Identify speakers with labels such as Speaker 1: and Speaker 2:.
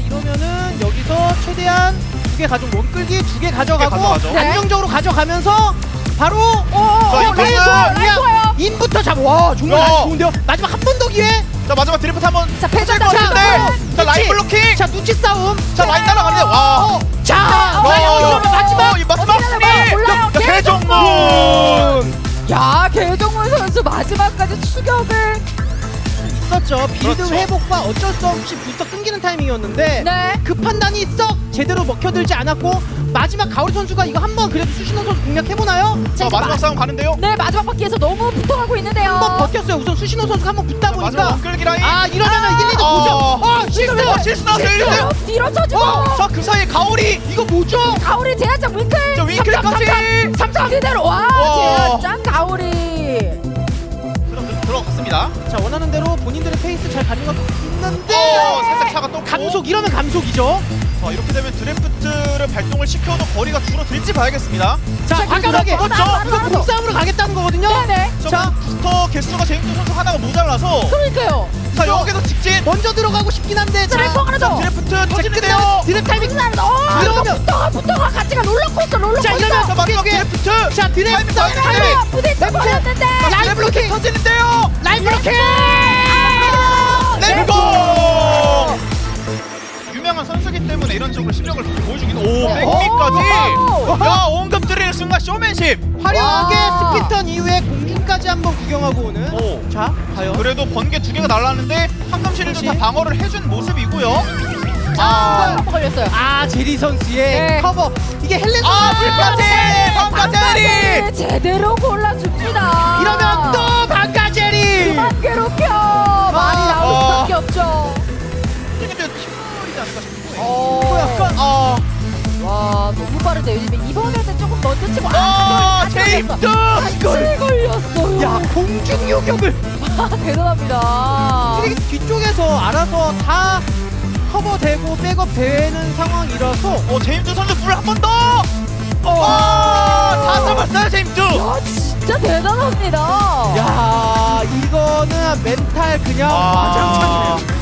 Speaker 1: 이러면은 여기서 최대한 2개 가지고 원끌기 2개 가져가고
Speaker 2: 가져가죠.
Speaker 1: 안정적으로 가져가면서 바로
Speaker 2: 라인
Speaker 3: 좋아요.
Speaker 1: 인부터 잡아. 와 정말
Speaker 2: 야.
Speaker 1: 라인 좋은데요. 마지막 한 번 더 기회.
Speaker 2: 자 마지막 드리프트 한번
Speaker 3: 자, 패전
Speaker 2: 것 같은데. 자 라인 블로킹.
Speaker 1: 자 눈치 싸움.
Speaker 2: 자 라인 따라가는데 와.
Speaker 1: 자 이러면 마지막
Speaker 2: 이 마지막 승리.
Speaker 3: 올라요.
Speaker 2: 개정문.
Speaker 3: 야, 개정문 선수 마지막까지 추격을.
Speaker 1: 있었죠. 빌드
Speaker 2: 그렇죠.
Speaker 1: 회복과 어쩔 수 없이 부스터 끊기는 타이밍이었는데
Speaker 3: 네.
Speaker 1: 그 판단이 썩 제대로 먹혀들지 않았고 마지막 가오리 선수가 이거 한번 그래도 수신호 선수 공략해보나요?
Speaker 2: 자 마지막 싸움 가는데요.
Speaker 3: 네, 마지막 바퀴에서 너무 붙어가고 있는데요.
Speaker 1: 한번 버텼어요. 우선 수신호 선수가 한번 붙다
Speaker 2: 마지막
Speaker 1: 보니까
Speaker 2: 원끌기 라인.
Speaker 1: 아 이러면은 1, 2도 보죠.
Speaker 2: 실수 나왔어요. 1대.
Speaker 3: 뒤로 쳐주고.
Speaker 2: 자 그 사이에 가오리.
Speaker 1: 이거 뭐죠?
Speaker 3: 가오리 제한장 윙클.
Speaker 2: 자 윙클까지.
Speaker 3: 3점 그대로. 와,
Speaker 2: 와.
Speaker 3: 제한장 가오리.
Speaker 2: 들어갔습니다.
Speaker 1: 자 원하는 대로 본인들의 페이스 잘 가는 것 있는데
Speaker 2: 살짝 차가 또
Speaker 1: 감속 이러면 감속이죠.
Speaker 2: 자 이렇게 되면 드래프트를 발동을 시켜도 거리가 줄어들지 봐야겠습니다.
Speaker 1: 자
Speaker 3: 자,
Speaker 1: 과감하게
Speaker 3: 그렇죠.
Speaker 1: 이거 몸싸움으로 가겠다는 거거든요.
Speaker 3: 네네.
Speaker 1: 자
Speaker 2: 부스터 개수가 제임스 선수 하나가 모자라서
Speaker 3: 그러니까요.
Speaker 2: 자 여기서 직진.
Speaker 1: 먼저 들어가고 싶긴 한데
Speaker 3: 드래퍼 하나 더.
Speaker 2: 드래프트
Speaker 1: 자,
Speaker 2: 터지는데요.
Speaker 1: 드랩 타이밍
Speaker 3: 이러면 붙어가 같이 가 롤러코스터.
Speaker 1: 자 이러면
Speaker 2: 자 마지막
Speaker 1: 꽤-
Speaker 2: 드래프트.
Speaker 1: 자 드랩
Speaker 2: 타이밍,
Speaker 1: 싸움
Speaker 2: 타이밍.
Speaker 1: 타이밍
Speaker 3: 부딪혀 버렸는데.
Speaker 1: 라인 블로킹
Speaker 2: 터지는데요.
Speaker 1: 라인 블로킹
Speaker 2: 렛츠고. 유명한 선수기 때문에 이런 식으로 실력을 보여주긴. 오 백미까지. 야 온급 드릴 순간 쇼맨십.
Speaker 1: 화려하게
Speaker 3: 와.
Speaker 1: 스피턴 이후에 공중까지 한번 구경하고 오는
Speaker 2: 오.
Speaker 1: 자 과연
Speaker 2: 그래도 번개 2개가 날랐는데 황금실도 다
Speaker 1: 그렇지.
Speaker 2: 방어를 해준 모습이고요.
Speaker 3: 한번 걸렸어요.
Speaker 1: 아 제리 선수의
Speaker 3: 네.
Speaker 1: 커버 이게 헬렌
Speaker 2: 불까지. 방가제리.
Speaker 3: 제대로 골라줍니다.
Speaker 1: 이러면 또 반가 제리
Speaker 3: 그만 괴롭혀. 말이 나올 수밖에 없죠.
Speaker 2: 근데 팀플이지 않을까 싶고.
Speaker 1: 또 약간
Speaker 3: 와, 너무 빠르대요. 이번에는 조금 먼저 치고
Speaker 2: 제임스.
Speaker 3: 같이 걸렸어요.
Speaker 1: 야 공중 요격을
Speaker 3: 대단합니다.
Speaker 1: 이게 뒤쪽에서 알아서 다 커버되고 백업 되는 상황이라서
Speaker 2: 제임스 선수 물 한 번 더. 다 잡았어요 제임스.
Speaker 3: 야, 진짜 대단합니다.
Speaker 1: 야 이거는 멘탈 그냥
Speaker 2: 아.
Speaker 1: 와장창이네요.